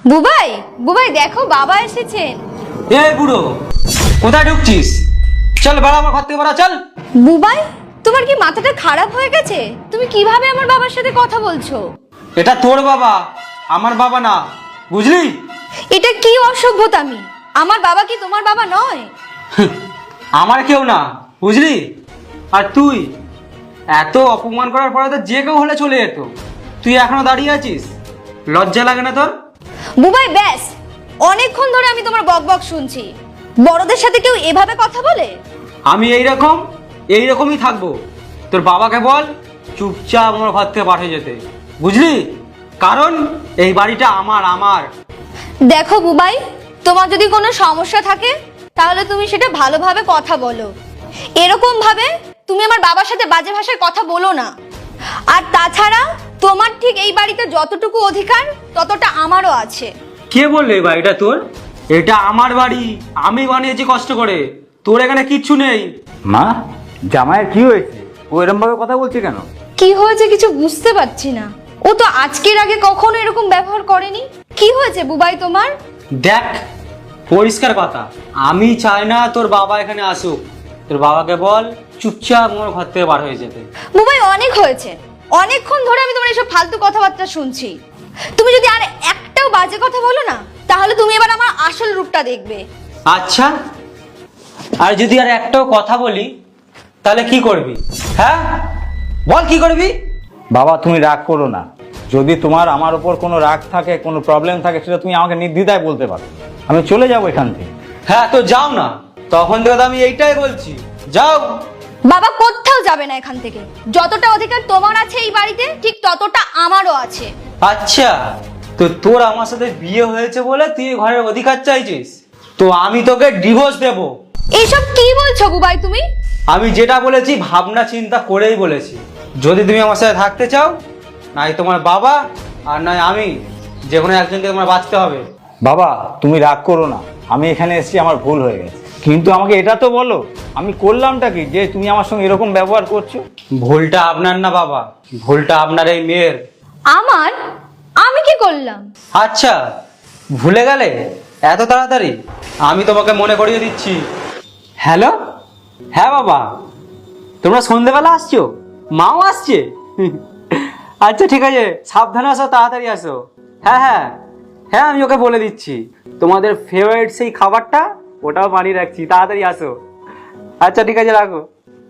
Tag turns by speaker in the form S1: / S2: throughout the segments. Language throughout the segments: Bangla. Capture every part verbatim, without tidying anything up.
S1: বুবাই বুবাই দেখো বাবা এসেছেন।
S2: এই বুড়ো কোথায় ঢুকছিস? চল বাড়া, আমার ঘর থেকে বাড়া, চল।
S1: বুবাই তোমার কি মাথাটা খারাপ হয়ে গেছে? তুমি কিভাবে আমার বাবার সাথে কথা বলছো?
S2: এটা তোর বাবা, আমার বাবা না, বুঝলি?
S1: এটা কি অসভ্যতামি? আমার বাবা কি তোমার বাবা নয়?
S2: আমার কেউ না, বুঝলি? আর তুই এত অপমান করার পরে তো যে কেউ হলে চলে যেত, তুই এখনো দাঁড়িয়ে আছিস? লজ্জা লাগে না তোর?
S1: বুবাই ব্যাস, অনেকক্ষণ ধরে আমি তোমার বকবক শুনছি। বড়দের সাথে কেউ এভাবে কথা বলে?
S2: আমি এইরকম এইরকমই থাকবো। তোর বাবাকে বল চুপচাপ আমার ঘর থেকে পাঠিয়ে যেতে, বুঝলি? কারণ এই বাড়িটা আমার আমার
S1: দেখো বুবাই, তোমার যদি কোনো সমস্যা থাকে তাহলে তুমি সেটা ভালোভাবে কথা বলো। এরকম ভাবে তুমি আমার বাবার সাথে বাজে ভাষায় কথা বলো না। আর তাছাড়া তোমার ঠিক এই বাড়িতে যতটুকু অধিকার ততটা আমারও আছে।
S2: কে বললে এই বাড়িটা তোর? এটা আমার বাড়ি, আমি বানিয়েছি কষ্ট করে, তোর এখানে কিচ্ছু নেই।
S3: মা, জামাইয়ের কি হয়েছে? ও এরকম ভাবে কথা বলছে কেন?
S1: কি হয়েছে কিছু বুঝতে পারছি না। ও তো আজকের আগে কখনো এরকম ব্যবহার করেনি। কি হয়েছে বুবাই তোমার?
S2: দেখ, পরিষ্কার কথা, আমি চাই না তোর বাবা এখানে আসুক। তোর বাবাকে বল চুপচাপ আমার ঘর থেকে বার হয়ে যেতে।
S1: বুবাই অনেক হয়েছে, অনেকক্ষণ ধরে আমি তোমার এসব ফালতু কথাবার্তা শুনছি। তুমি যদি আর একটাও বাজে কথা বলো না তাহলে তুমি এবার আমার আসল রূপটা দেখবে।
S2: আচ্ছা, আর যদি আর একটাও কথা বলি তাহলে কি করবি? হ্যাঁ বল, কি করবি?
S3: বাবা, তুমি রাগ করো না। যদি তোমার আমার উপর কোনো রাগ থাকে, কোনো প্রবলেম থাকে, সেটা তুমি আমাকে নির্দ্বিধায় বলতে পারো। আমি চলে যাবো এখান থেকে।
S2: হ্যাঁ তো যাও না, তখন থেকে তো আমি এইটাই বলছি, যাও।
S1: বাবা কোথাও যাবে না এখান থেকে। যতটা অধিকার তোমার আছে এই বাড়িতে ঠিক ততটা আমারও আছে।
S2: আচ্ছা, তো তোর আমার সাথে বিয়ে হয়েছে বলে তুই এই ঘরের অধিকার চাইছিস? তো আমি তোকে ডিভোর্স দেব।
S1: এইসব কি বলছো বুবাই তুমি?
S2: আমি যেটা বলেছি ভাবনা চিন্তা করেই বলেছি। যদি তুমি আমার সাথে থাকতে চাও, নাই তোমার বাবা আর নয় আমি, যে কোনো একজনকে তোমার বাঁচতে হবে।
S3: বাবা, তুমি রাগ করো না। আমি এখানে এসেছি, আমার ভুল হয়ে গেছে। কিন্তু আমাকে এটা তো বলো, আমি করলামটা কি যে তুমি আমার সঙ্গে এরকম ব্যবহার করছো?
S2: ভুলটা আপনার না বাবা, ভুলটা আপনার এই মেয়ের।
S1: আমার? আমি কি করলাম?
S2: আচ্ছা, ভুলে গেলে এত তাড়াতাড়ি? আমি তোমাকে মনে করিয়ে দিচ্ছি। হ্যালো, হ্যাঁ বাবা, তোমরা সন্ধেবেলা আসছো? মাও আসছে? আচ্ছা ঠিক আছে, সাবধানে আসো, তাড়াতাড়ি আসো। হ্যাঁ হ্যাঁ হ্যাঁ, আমি ওকে বলে দিচ্ছি। তোমাদের ফেভারিট সেই খাবারটা ওটাও বানিয়ে রাখছি, তাড়াতাড়ি আসো। আচ্ছা ঠিক আছে, রাখো।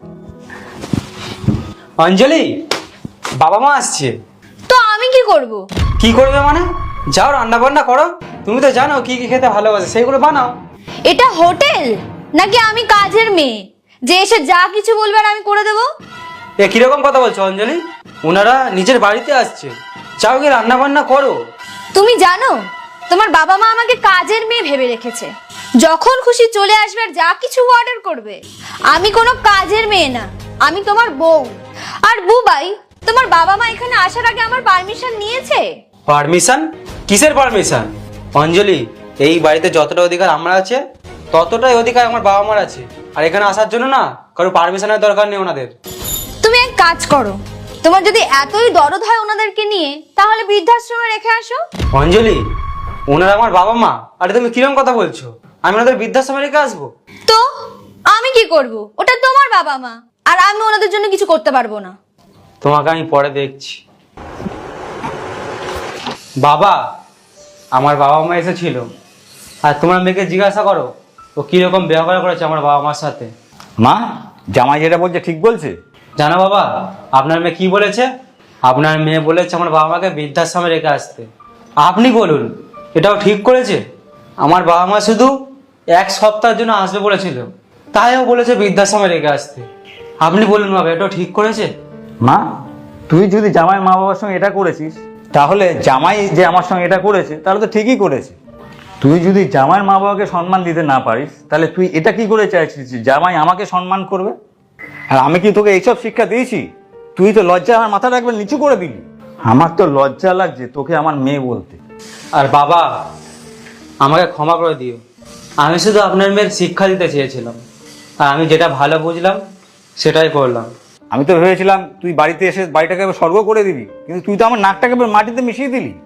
S2: অঞ্জলি, বাবা মা আসছে।
S1: তো আমি কি করব?
S2: কি করবে মানে? যাও রান্না বান্না করো। তুমি তো জানো কি কি খেতে ভালোবাসে, সেইগুলো বানাও।
S1: এটা হোটেল নাকি আমি কাজের মেয়ে যে এসে যা কিছু বলবে আর আমি করে দেবো?
S2: এ কিরকম কথা বলছো অঞ্জলি? ওনারা নিজের বাড়িতে আসছে, যাও গিয়ে রান্না বান্না করো।
S1: তুমি জানো তোমার বাবা মা আমাকে কাজের মেয়ে ভেবে রেখেছে। যখন খুশি চলে আসবে আর যা কিছু অর্ডার করবে। আমি কোনো কাজের মেয়ে না, আমি তোমার বউ। আর বুবাই, তোমার বাবা মা এখানে আসার আগে আমার পারমিশন নিয়েছে?
S2: পারমিশন? কিসের পারমিশন? অঞ্জলি, এই বাড়িতে যতটা অধিকার আমার আছে ততটাই অধিকার আমার বাবা মার আছে। আর এখানে আসার জন্য না কারো পারমিশনের দরকার নেই ওনাদের।
S1: তুমি এক কাজ করো, তোমার যদি এতই দরদ হয় ওনাদেরকে নিয়ে তাহলে বৃদ্ধাশ্রমে রেখে আসো।
S2: অঞ্জলি, ওনারা আমার বাবা মা। আরে তুমি কিরকম কথা বলছো? আমি ওনাদের বৃদ্ধাশ্রমে রেখে আসবো?
S1: তো আমি কি করব? ওটা তোমার বাবা মা, আর আমি ওনাদের জন্য কিছু করতে পারবো না।
S2: তোমাকে আমি পরে দেখছি। বাবা, আমার বাবা মা এসেছিল, আর তোমার মেয়েকে জিজ্ঞাসা করো ও কিরকম ব্যবহার করেছে আমার বাবা মার সাথে।
S3: মা, জামাই যেটা বলছে ঠিক বলছে।
S2: জানো বাবা, আপনার মেয়ে কি বলেছে? আপনার মেয়ে বলেছে আমার বাবা মাকে বৃদ্ধাশ্রমে রেখে আসতে। আপনি বলুন, এটাও ঠিক করেছে? আমার বাবা মা শুধু এক সপ্তাহের জন্য আসবে বলেছিল, তাইও বলেছে বৃদ্ধাশ্রমে রেখে আসতে। আপনি বলুন বাবা, এটাও ঠিক করেছে?
S3: মা, তুই যদি জামাই মা বাবার সঙ্গে এটা করেছিস, তাহলে জামাই যে আমার সঙ্গে এটা করেছে তাহলে তো ঠিকই করেছে। তুই যদি জামাইয়ের মা বাবাকে সম্মান দিতে না পারিস, তাহলে তুই এটা কি করে চাইছিস যে জামাই আমাকে সম্মান করবে? আর আমি কি তোকে এইসব শিক্ষা দিয়েছি? তুই তো লজ্জা আমার মাথাটা একবার নিচু করে দিলি। আমার তো লজ্জা লাগছে তোকে আমার মেয়ে বলতে।
S2: আর বাবা, আমাকে ক্ষমা করে দিও। আমি শুধু আপনার মেয়ের শিক্ষা দিতে চেয়েছিলাম, আর আমি যেটা ভালো বুঝলাম সেটাই করলাম।
S3: আমি তো ভেবেছিলাম তুই বাড়িতে এসে বাড়িটাকে এবার স্বর্গ করে দিবি, কিন্তু তুই তো আমার নাকটাকে এবার মাটিতে মিশিয়ে দিলি।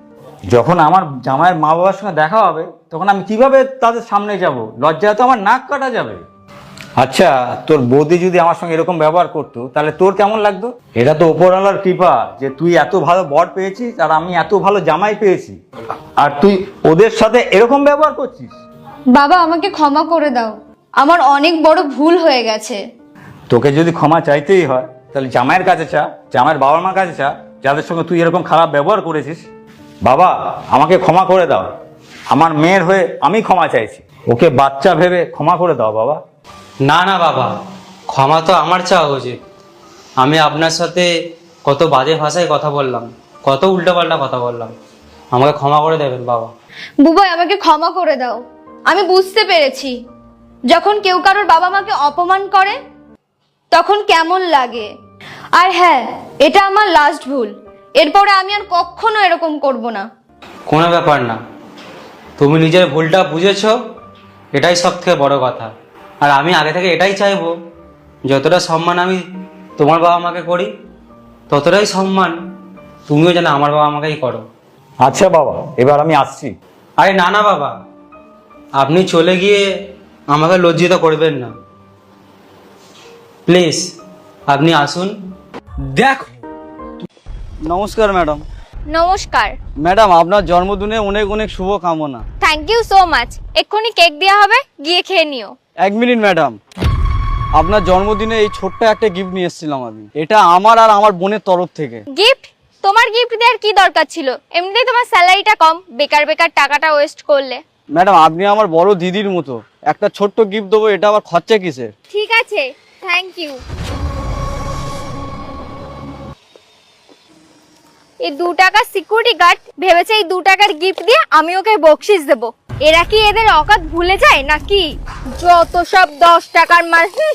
S3: যখন আমার জামাইয়ের মা বাবার সঙ্গে দেখা হবে তখন আমি কিভাবে তাদের সামনে যাব? লজ্জায় তো আমার নাক কাটা যাবে। আচ্ছা, তোর বৌদি যদি আমার সঙ্গে এরকম ব্যবহার করতো তাহলে তোর কেমন লাগতো? এটা তো ওপরওয়ালার কৃপা যে তুই এত ভালো বর পেয়েছিস আর আমি এত ভালো জামাই পেয়েছি, আর তুই ওদের সাথে এরকম ব্যবহার করছিস।
S1: বাবা আমাকে ক্ষমা করে দাও, আমার অনেক বড় ভুল হয়ে গেছে।
S3: তোকে যদি ক্ষমা চাইতেই হয় তাহলে জামাইয়ের কাছে চা, জামাইয়ের বাবা মার কাছে চা, যাদের সঙ্গে তুই এরকম খারাপ ব্যবহার করেছিস। বাবা আমাকে ক্ষমা করে দাও, আমার মেয়ের হয়ে আমি ক্ষমা চাইছি, ওকে বাচ্চা ভেবে ক্ষমা করে দাও বাবা।
S2: না না বাবা, ক্ষমা তো আমার চাওয়া উচিত। আমি আপনার সাথে কত বাজে ভাষায় কথা বললাম, কত উল্টোপাল্টা কথা বললাম, আমাকে ক্ষমা করে দেবেন বাবা।
S1: বুবাই আমাকে ক্ষমা করে দাও, আমি বুঝতে পেরেছি যখন কেউ কারোর বাবা মাকে অপমান করে তখন কেমন লাগে। আর হ্যাঁ, এটা আমার লাস্ট ভুল, এরপরে আমি আর কখনো এরকম করব না।
S2: কোনো ব্যাপার না, তুমি নিজের ভুলটা বুঝেছো, এটাই সব থেকে বড় কথা। আর আমি আগে থেকে এটাই চাইবো, যতটা সম্মান আমি তোমার বাবা মাকে করি ততটাই সম্মান তুমিও যেন আমার বাবা মাকেই করো।
S3: আচ্ছা বাবা, এবার আমি আসছি।
S2: আরে না না বাবা, আপনি চলে গিয়ে আমাকে লজ্জিত করবেন না, প্লিজ আপনি আসুন।
S4: দেখো, নমস্কার ম্যাডাম।
S5: নমস্কার।
S4: ম্যাডাম আপনার জন্মদিনে অনেক অনেক শুভ কামনা।
S5: Thank you so much. এক্ষুনি কেক দেওয়া হবে, গিয়ে খেয়ে নিও।
S4: এক মিনিট ম্যাডাম, আপনার জন্মদিনে এই ছোট্ট একটা গিফট নিয়ে এসেছিলাম আমি, এটা আমার আর আমার বোনের তরফ থেকে।
S5: গিফট? তোমার গিফট দেওয়ার কি দরকার ছিল? এমনিতেই তোমার স্যালারিটা কম, বেকার বেকার টাকাটা ওয়েস্ট করলে।
S4: ম্যাডাম আপনি আমার বড় দিদির মতো, একটা ছোট্ট গিফট দেবো, এটা আবার খরচা কিসের?
S5: ঠিক আছে, থ্যাংক ইউ। এই দু টাকার সিকিউরিটি গার্ড ভেবেছে এই দু টাকার গিফট দিয়ে আমি ওকে বকশিস দেবো। এরা কি এদের অকাত ভুলে যায় নাকি? যত সব দশ টাকার মাল। হুঁ।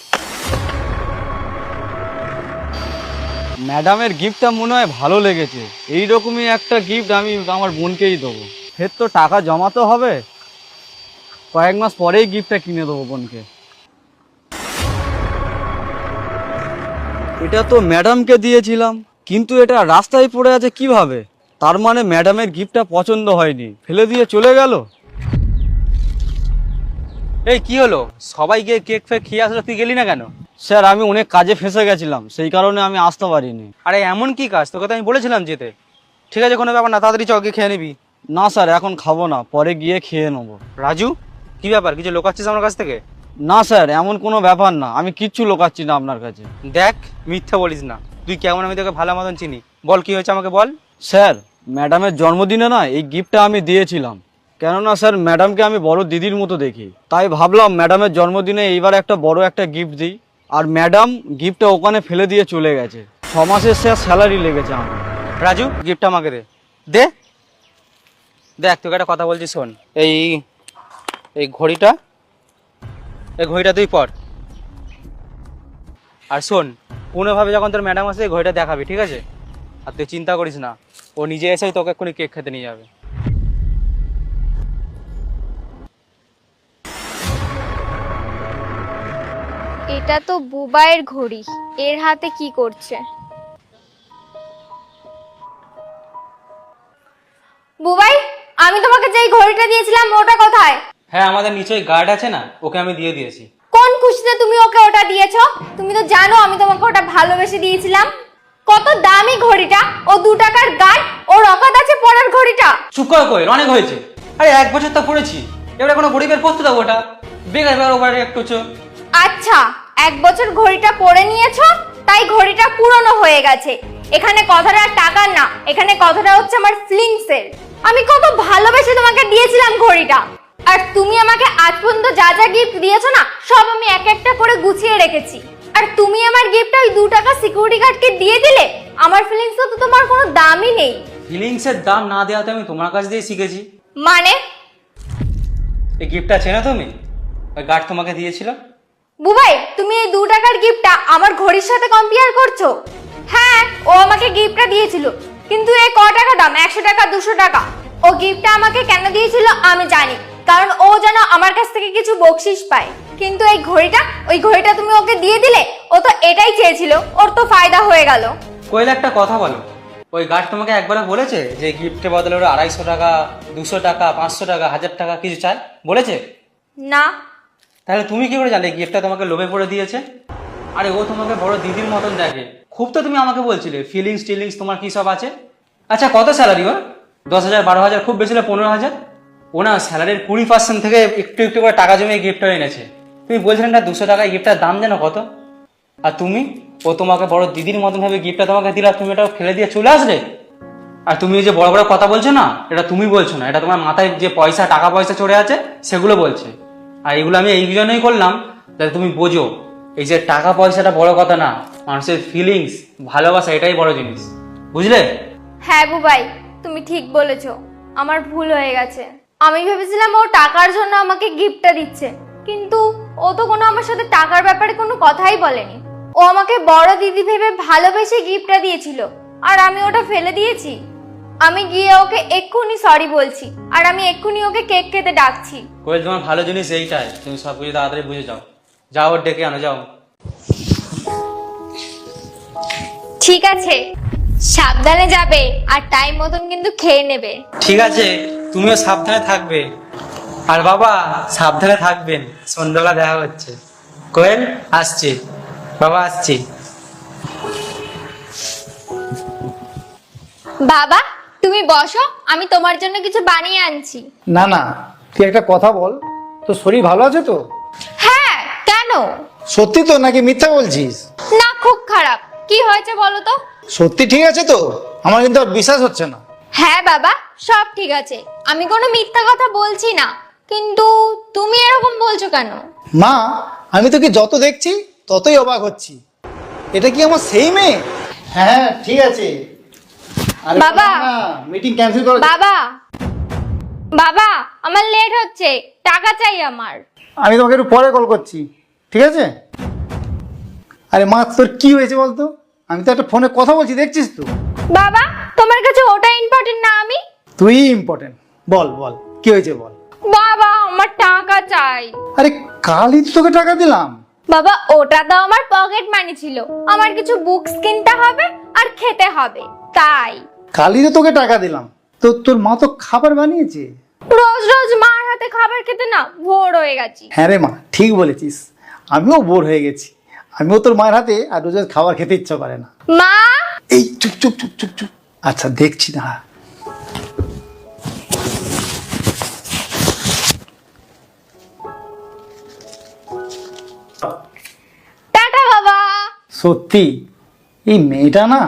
S4: ম্যাডামের গিফটটা মনে হয় ভালো লেগেছে, এইরকমই একটা গিফট আমি আমার বোনকেই দেবো। ফের তো টাকা জমাতে হবে, কয়েক মাস পরেই গিফটটা কিনে দেবো বোনকে। এটা তো ম্যাডামকে দিয়েছিলাম, কিন্তু এটা রাস্তায় পড়ে আছে কিভাবে? তার মানে ম্যাডামের গিফটটা পছন্দ হয়নি, ফেলে দিয়ে চলে গেল।
S2: এই কি হলো, সবাই গিয়ে কেক ফেক খেয়ে আসলো, তুই গেলি না কেন?
S4: স্যার আমি অনেক কাজে ফেঁসে গেছিলাম, সেই কারণে আমি আসতে পারিনি।
S2: আরে এমন কি কাজ, তোকে তো আমি বলেছিলাম যেতে। ঠিক আছে, কোনো ব্যাপার না, তাড়াতাড়ি চকে খেয়ে নিবি।
S4: না স্যার, এখন খাবো না, পরে গিয়ে খেয়ে নেবো।
S2: রাজু, কি ব্যাপার, কিছু লোকাচ্ছিস আমার কাছ থেকে?
S4: না স্যার, এমন কোনো ব্যাপার না, আমি কিচ্ছু লোকাচ্ছি না আপনার কাছে।
S2: দেখ, মিথ্যা বলিস না, তুই কেমন আমি তোকে ভালো মতন চিনি। বল কি হয়েছে আমাকে বল।
S4: স্যার ম্যাডামের জন্মদিনে না এই গিফটটা আমি দিয়েছিলাম, কেননা স্যার ম্যাডামকে আমি বড় দিদির মতো দেখি, তাই ভাবলাম ম্যাডামের জন্মদিনে এইবার একটা বড় একটা গিফট দিই। আর ম্যাডাম গিফটটা ওখানে ফেলে দিয়ে চলে গেছে। ছ মাসের স্যার স্যালারি লেগেছে আমার।
S2: রাজু, গিফটটা আমাকে দে। দে দেখ, তোকে একটা কথা বলছি, শোন। এই এই ঘড়িটা, এই ঘড়িটা তুই পর। আর শোন, কোনোভাবে যখন তোর ম্যাডাম আসে এই ঘড়িটা দেখাবি, ঠিক আছে? আর তুই চিন্তা করিস না, ও নিজে এসেই তোকে এক্ষুনি কেক খেতে নিয়ে যাবে।
S5: এটা তো বুবাইয়ের ঘড়ি, এর হাতে কি করছে? বুবাই, আমি তোমাকে যেই ঘড়িটা দিয়েছিলাম ওটা কোথায়?
S2: হ্যাঁ, আমাদের নিচে গার্ড আছে না, ওকে আমি দিয়ে দিয়েছি।
S5: কোন খুশিতে তুমি ওকে ওটা দিয়েছো? তুমি তো জানো আমি তোমাকে ওটা ভালোবেসে দিয়েছিলাম। কত দামি ঘড়িটা, ও দু টাকার গার্ড, ওর অকাত আছে পরার ঘড়িটা।
S2: চুপ কর, কই অনেক হয়েছে। আরে এক বছর তো পড়েছি, এবারে কোনো গরিবের পড়তে দেবো ওটা? বেকার বেকার ওভারে একটু চো।
S5: আচ্ছা, এক বছর ঘড়িটা পরে নিয়েছো তাই ঘড়িটা পুরনো হয়ে গেছে। এখানে কথাটা টাকার না, এখানে কথাটা হচ্ছে আমার ফিলিংসের। আমি কত ভালোবেসে তোমাকে দিয়েছিলাম ঘড়িটা, আর তুমি আমাকে আজ পর্যন্ত যা যা গিফট দিয়েছো না সব আমি এক একটা করে গুছিয়ে রেখেছি। আর তুমি আমার গিফটটা ওই দু টাকা সিকিউরিটি গার্ডকে দিয়ে দিলে। আমার ফিলিংস তো তোমার কোনো দামই নেই।
S2: ফিলিংসের দাম না দেওয়াতে আমি তোমার কাছ দিয়ে শিখেছি।
S5: মানে?
S2: এই গিফটটা চেনো তুমি? ওই গার্ড তোমাকে দিয়েছিল।
S5: বুবাই, তুমি এই দু টাকার গিফটটা আমার ঘড়ির সাথে কম্পেয়ার করছো? হ্যাঁ, ও আমাকে গিফটটা দিয়েছিল, কিন্তু এই ক টাকা দাম, একশো টাকা দুশো টাকা। ও গিফটটা আমাকে কেন দিয়েছিল আমি জানি, কারণ ও যেন আমার কাছ থেকে কিছু বকশিস পায়। কিন্তু এই ঘড়িটা, ওই ঘড়িটা তুমি ওকে দিয়ে দিলে। ও তো এটাই চেয়েছিল, ওর তো ফায়দা হয়ে গেল।
S2: কইলে একটা কথা বলো, ওই গার্ড তোমাকে একবার বলেছে যে গিফটের বদলে ওরা আড়াইশো টাকা দুশো টাকা পাঁচশো টাকা হাজার টাকা কিছু চায় বলেছে?
S5: না।
S2: তাহলে তুমি কি করে জানলে গিফটটা তোমাকে লোভে পড়ে দিয়েছে? আরে ও তোমাকে বড় দিদির মতন দেখে। খুব তো তুমি আমাকে বলছিলে ফিলিংস টিলিংস তোমার কী সব আছে। আচ্ছা কত স্যালারি ওর? দশ হাজার বারো হাজার খুব বেশি হলে পনেরো হাজার। ও না স্যালারির কুড়ি পার্সেন্ট থেকে একটু একটু করে টাকা জমিয়ে গিফটটা এনেছে। তুমি বলছিলেন না দুশো টাকায় গিফটটার দাম যেন কত? আর তুমি, ও তোমাকে বড় দিদির মতন ভাবে গিফটটা তোমাকে দিলা, তুমি এটা ফেলে দিয়ে চলে আসলে। আর তুমি যে বড় বড় কথা বলছো না, এটা তুমি বলছো না, এটা তোমার মাথায় যে পয়সা টাকা পয়সা চড়ে আছে সেগুলো বলছে। আর এগুলো আমি এই জন্যই করলাম যাতে তুমি বোঝো এই যে টাকা পয়সাটা বড় কথা না, মানুষের ফিলিংস ভালোবাসা এটাই বড় জিনিস, বুঝলে?
S5: হ্যাঁ বুবাই, তুমি ঠিক বলেছো, আমার ভুল হয়ে গেছে। আমি ভেবেছিলাম ও টাকার জন্য আমাকে গিফটটা দিচ্ছে, কিন্তু ও তো কোনো আমার সাথে টাকার ব্যাপারে কোনো কথাই বলেনি। ও আমাকে বড় দিদি ভেবে ভালোবেসে গিফটটা দিয়েছিল, আর আমি ওটা ফেলে দিয়েছি। আমি গিয়ে ওকে এক্ষুনি সরি বলছি, আর আমি এক্ষুনি ওকে কেক খেতে ডাকছি।
S2: কোয়েল তোমার ভালো জিনিস এইটাই, তুমি সব কিছু তাড়াতাড়ি বুঝে যাও। যাও ওর ডেকে আনো, যাও।
S5: ঠিক আছে, সাবধানে যাবে আর টাইম মতন কিন্তু খেয়ে নেবে।
S2: ঠিক আছে, তুমিও সাবধানে থাকবে। আর বাবা সাবধানে থাকবেন, সন্ধ্যাবেলা দেখা হচ্ছে। কোয়েল আসছি, বাবা আসছি।
S5: বাবা তুমি বসো, আমি তোমার জন্য কিছু বানিয়ে আনছি।
S6: না না, তুই একটা কথা বল, তোর শরীর ভালো আছে তো?
S5: হ্যাঁ, কেন?
S6: সত্যি তো নাকি মিথ্যা বলছিস?
S5: না, খুব খারাপ। কি হয়েছে বলো তো?
S6: সত্যি ঠিক আছে তো? আমার কিন্তু আর বিশ্বাস হচ্ছে না।
S5: হ্যাঁ বাবা, সব ঠিক আছে, আমি কোনো মিথ্যা কথা বলছি না, কিন্তু তুমি এরকম বলছো কেন?
S6: মা, আমি তোকে যত দেখছি ততই অবাক হচ্ছি। এটা কি আমার সেই মেয়ে? হ্যাঁ ঠিক আছে। আরে
S5: বাবা!
S6: মিটিং ক্যান্সেল করো।
S5: বাবা বাবা আমার লেট হচ্ছে, টাকা চাই আমার।
S6: আমি তোমাকে একটু পরে কল করছি, ঠিক আছে? আরে মা, তোর কি হয়েছে বলতো? আমি তো একটা ফোনে কথা বলছি, দেখছিস তো?
S5: বাবা তোমার কাছে ওটা ইম্পর্টেন্ট না আমি?
S6: তুই ইম্পর্টেন্ট। বল বল, কি হয়েছে বল।
S5: বাবা আমার টাকা চাই।
S6: আরে কালই তো তোকে টাকা দিলাম।
S5: বাবা ওটা তো আমার পকেট মানি ছিল, আমার কিছু বুকস কিনতে হবে আর খেতে হবে, তাই।
S6: কালই তো তোকে টাকা দিলাম, তো তোর মা তো খাবার বানিয়েছে।
S5: রোজ রোজ মার হাতে খাবার খেতে না ভোর হয়ে গেছি।
S6: হ্যাঁ রে মা, ঠিক বলেছিস, আমিও বোর হয়ে গেছি। আমিও তোর মায়ের হাতে আর রোজ রোজ খাবার খেতে ইচ্ছা করে না।
S5: মা!
S6: এই চুপ চুপ চুপ চুপ চুপ। আচ্ছা দেখছি না।
S5: টাটা বাবা।
S6: সত্যি এই মেয়েটা না।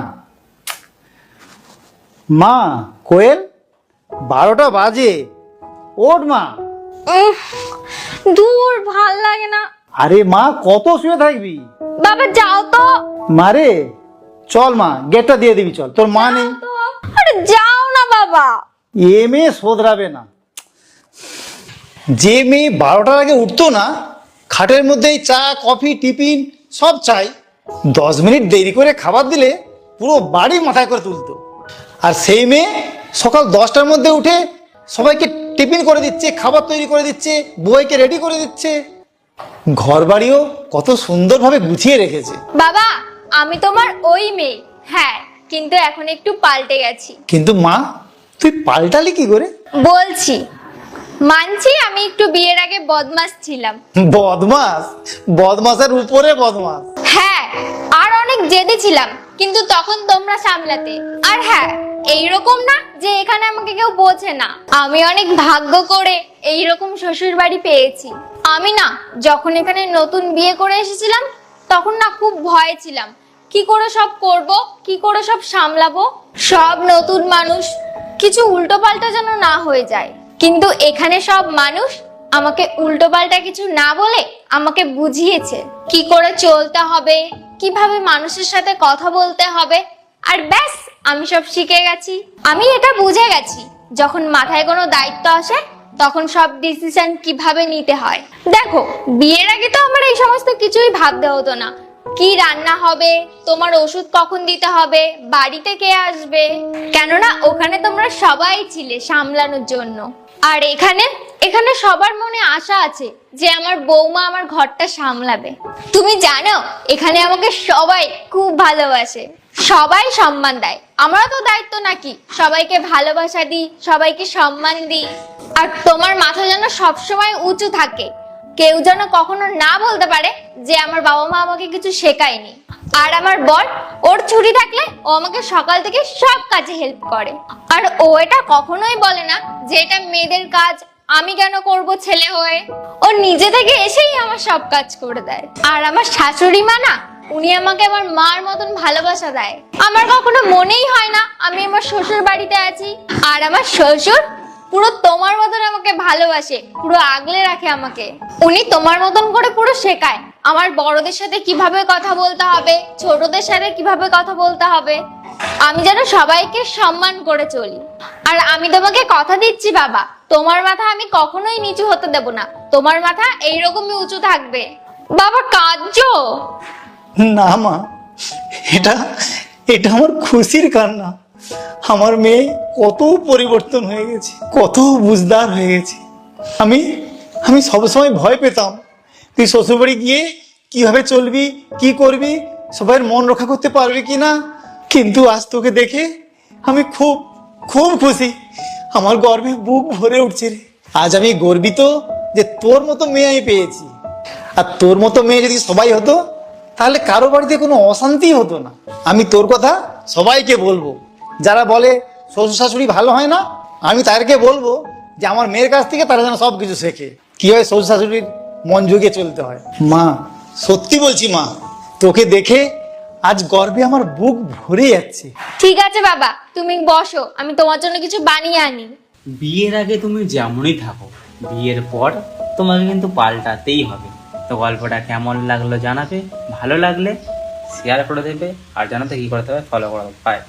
S6: মা, কোয়েল বারোটা বাজে, ওঠ মা।
S5: উফ, দূর ভাল লাগে না।
S6: আরে মা, কত শুয়ে থাকবি?
S5: বাবা যাও তো।
S6: মারে চল মা, গেটটা দিয়ে দিবি, চল। তোর মা নেই।
S5: তো, আরে যাও না বাবা।
S6: এ মেয়ে শোধরাবে না। যে মেয়ে বারোটার আগে উঠতো না, খাটের মধ্যেই চা কফি টিফিন সব চাই, দশ মিনিট দেরি করে খাবার দিলে পুরো বাড়ি মাথায় করে তুলতো। আর সেই মেয়ে সকাল দশটার মধ্যে উঠে সবাইকে টিফিন করে দিচ্ছে, খাবার তৈরি করে দিচ্ছে, বউকে রেডি করে দিচ্ছে, ঘর বাড়িও কত সুন্দরভাবে গুছিয়ে রেখেছে।
S5: বাবা আমি তোমার ওই মেয়ে, হ্যাঁ, কিন্তু এখন একটু পাল্টে গেছি।
S6: কিন্তু মা, তুই পাল্টালি কি করে?
S5: বলছি, মানছি আমি একটু বিয়ের আগে বদমাস ছিলাম।
S6: বদমাস? বদমাসের উপরে বদমাস।
S5: হ্যাঁ, আর অনেক জেদি ছিলাম, কিন্তু তখন তোমরা সামলাতে। আর হ্যাঁ, এইরকম না যে এখানে আমাকে কেউ বোঝে না। আমি অনেক ভাগ্য করে এইরকম শ্বশুর বাড়ি পেয়েছি। আমি না যখন এখানে নতুন বিয়ে করে এসেছিলাম, তখন না খুব ভয় ছিলাম, কি করে সব করব, কি করে সব সামলাবো। সব নতুন মানুষ, কিছু উল্টো পাল্টা যেন না হয়ে যায়। কিন্তু এখানে সব মানুষ আমাকে উল্টো পাল্টা কিছু না বলে আমাকে বুঝিয়েছে কি করে চলতে হবে, কিভাবে মানুষের সাথে কথা বলতে হবে। আর ব্যাস, আমি সব শিখে গেছি। আমি এটা বুঝে গেছি, যখন মাথায় কোনো দায়িত্ব আসে তখন সব ডিসিশন কিভাবে নিতে হয়। দেখো, বিয়ের আগে তো আমার এই সমস্ত কিছুই ভাবতে হতো না। কি রান্না হবে, তোমার ওষুধ কখন দিতে হবে, বাড়িতে কে আসবে, কেননা ওখানে তোমরা সবাই ছিলে সামলানোর জন্য। আর এখানে এখানে সবার মনে আশা আছে যে আমার বৌমা আমার ঘরটা সামলাবে। তুমি জানো, এখানে আমাকে সবাই খুব ভালোবাসে। সবাই সম্মান দেয়, আমারও তো দায়িত্ব নাকি সবাইকে ভালোবাসা দিই, সবাইকে সম্মান দিই। আর তোমার মাথা যেন সবসময় উঁচু থাকে, কেউ যেন কখনো না বলতে পারে যে আমার বাবা মা আমাকে কিছু শেখায়নি। আর আমার বর, ওর ছুটি থাকলে ও আমাকে সকাল থেকে সব কাজে হেল্প করে। আর ও এটা কখনোই বলে না যে এটা মেয়েদের কাজ, আমি কেন করব ছেলে হয়ে। ও নিজে থেকে এসেই আমার সব কাজ করে দেয়। আর আমার শাশুড়ি মা না, উনি আমাকে আমার মার মতন ভালোবাসা দেয়। আমার কখনো মনেই হয় না আমি আমার শ্বশুর বাড়িতে আছি। আর আমার শ্বশুর পুরো তোমার মতন আমাকে ভালোবাসে, পুরো আগলে রাখে আমাকে। উনি তোমার মতন করে পুরো শেখায় আমার বড়দের সাথে কিভাবে কথা বলতে হবে, ছোটদের সাথে কিভাবে কথা বলতে হবে, আমি যেন সবাইকে সম্মান করে চলি। আর আমি তোমাকে কথা দিচ্ছি বাবা, তোমার মাথা আমি কখনোই নিচু হতে দেব না, তোমার মাথা এইরকমই উঁচু থাকবে। বাবা কাঁদছো?
S6: না মা, এটা এটা আমার খুশির কান্না। আমার মেয়ে কত পরিবর্তন হয়ে গেছে, কত বুঝদার হয়ে গেছে। আমি আমি সবসময় ভয় পেতাম তুই শ্বশুরবাড়ি গিয়ে কিভাবে চলবি, কি করবি, সবাইয়ের মন রক্ষা করতে পারবি কি না। কিন্তু আজ তোকে দেখে আমি খুব খুব খুশি, আমার গর্বে বুক ভরে উঠছে রে। আজ আমি গর্বিত যে তোর মতো মেয়ে আমি পেয়েছি। আর তোর মতো মেয়ে যদি সবাই হতো তাহলে কারো বাড়িতে কোনো অশান্তি হতো না। আমি তোর কথা সবাইকে বলবো, যারা বলে শ্বশুর শাশুড়ি ভালো হয় না, আমি তাদেরকে বলবো যে আমার মেয়ের কাছ থেকে তারা যেন সব কিছু শেখে, কীভাবে শ্বশুর শাশুড়ির মন জুগিয়ে চলতে হয়। মা সত্যি বলছি মা, তোকে দেখে আজ গর্বে আমার বুক ভরে যাচ্ছে।
S5: ঠিক আছে বাবা, তুমি বসো, আমি তোমার জন্য কিছু বানিয়ে আনি।
S2: বিয়ের আগে তুমি যেমনই থাকো, বিয়ের পর তোমাকে কিন্তু পাল্টাতেই হবে। তো গল্পটা কেমন লাগলো জানাবে, ভালো লাগলে শেয়ার করে দেবে, আর জানাতে কি করতে হবে ফলো করে দেবে। বাই।